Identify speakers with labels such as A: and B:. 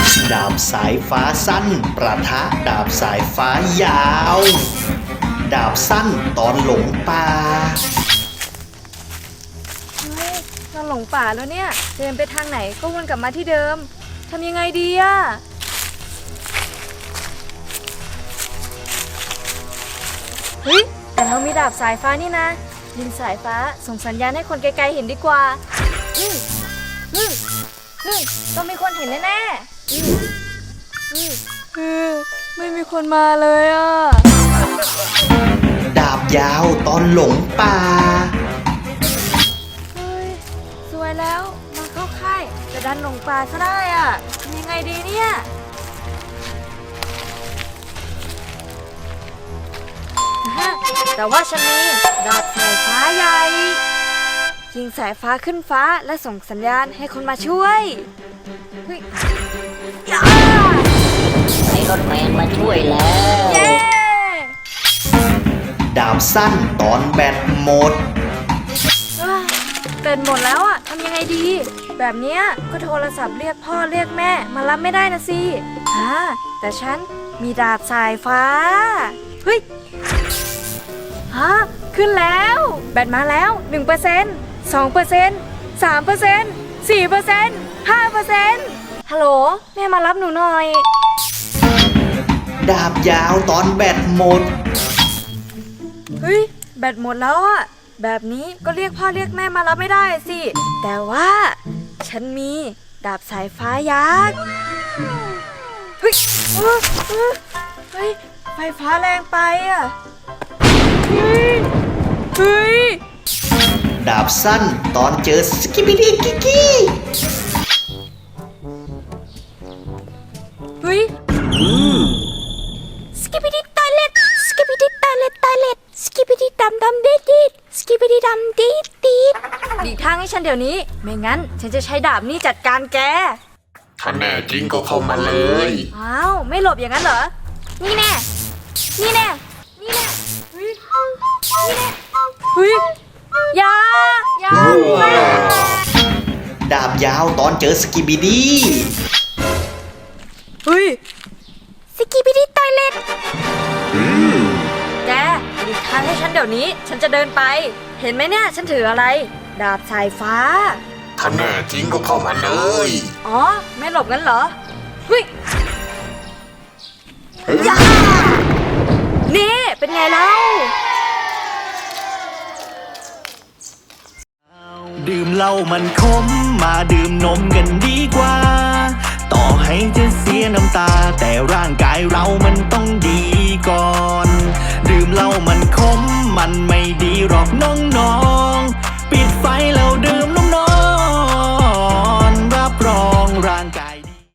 A: ดาบสายฟ้าสั้นประทะดาบสายฟ้ายาว ดาบสั้นตอนหลงป่า
B: เฮ้ยเราหลงป่าแล้วเนี่ยเดินไปทางไหนก็วนกลับมาที่เดิมทำยังไงดีอะเฮ้ยแต่เรามีดาบสายฟ้านี่นะยิงสายฟ้าส่งสัญญาณให้คนไกลๆเห็นดีกว่าต้องมีคนเห็นแน่ๆไม่มีคนมาเลยอ่ะ
A: ดาบยาวตอนหลงป่า
B: เฮ้ยสวยแล้วมาเข้าค่ายจะดันหลงป่าซะได้อ่ะทำยังไงดีเนี่ยแต่ว่าฉันมีดาบสายฟ้าใหญ่ยิงสายฟ้าขึ้นฟ้าและส่งสัญญาณให้คนมาช่วยเฮ้ยย่า
C: ไอรอนแมนมาช่วยแล้ว
B: เย้
A: ดาบสั้นตอนแบตหมด
B: เป็นหมดแล้วอ่ะทำยังไงดีแบบเนี้ยก็โทรศัพท์เรียกพ่อเรียกแม่มารับไม่ได้นะสิแต่ฉันมีดาบสายฟ้าเฮ้ยขึ้นแล้วแบตมาแล้ว 1% 2% 3% 4% 5%ฮัลโหลแม่มารับหนูหน่อย
A: ดาบยาวตอนแบตหมด
B: เฮ้ยแบตหมดแล้วอ่ะแบบนี้ก็เรียกพ่อเรียกแม่มารับไม่ได้สิแต่ว่าฉันมีดาบสายฟ้ายักษ์เฮ้ยเฮ้ยไฟฟ้าแรงไปอ่ะเฮ้ย
A: ดาบสั้นตอนเจอสกิบิดีกิกี้
B: เฮ้ยสกิปปี้ดิตอยเล็ตสกิปปี้ดิตอยเล็ตสกิปปี้ดิดำดิดสกิปปี้ดิดำดิดหลีกทางให้ฉันเดี๋ยวนี้ไม่งั้นฉันจะใช้ดาบนี้จัดการแก
D: ถ้าแน่จริงก็เข้ามาเลย
B: อ้าวไม่หลบอย่างนั้นเหรอนี่แน่นี่แน่นี่แน่เฮ้ยนี่แน่เฮ้ยอย่า
A: ดาบยาวตอนเจอสกิบิดี
B: เฮ้ยสกิปปี้ดิตอยเล็ตแกหลีกทางให้ฉันเดี๋ยวนี้ฉันจะเดินไปเห็นไหมเนี่ยฉันถืออะไรดาบสายฟ้า
D: ถ้าแน่จริงก็เข้ามาเลย
B: อ๋อไม่หลบงั้นเหรอเฮ้ยอย่านี่เป็นไงเล่า
A: ดื่มเหล้ามันขมมาดื่มนมกันดีกว่า ต่อให้จะเสียน้ำตาแต่ร่างกายเรามันต้องดีก่อน ดื่มเหล้ามันขมมันไม่ดีหรอกน้อง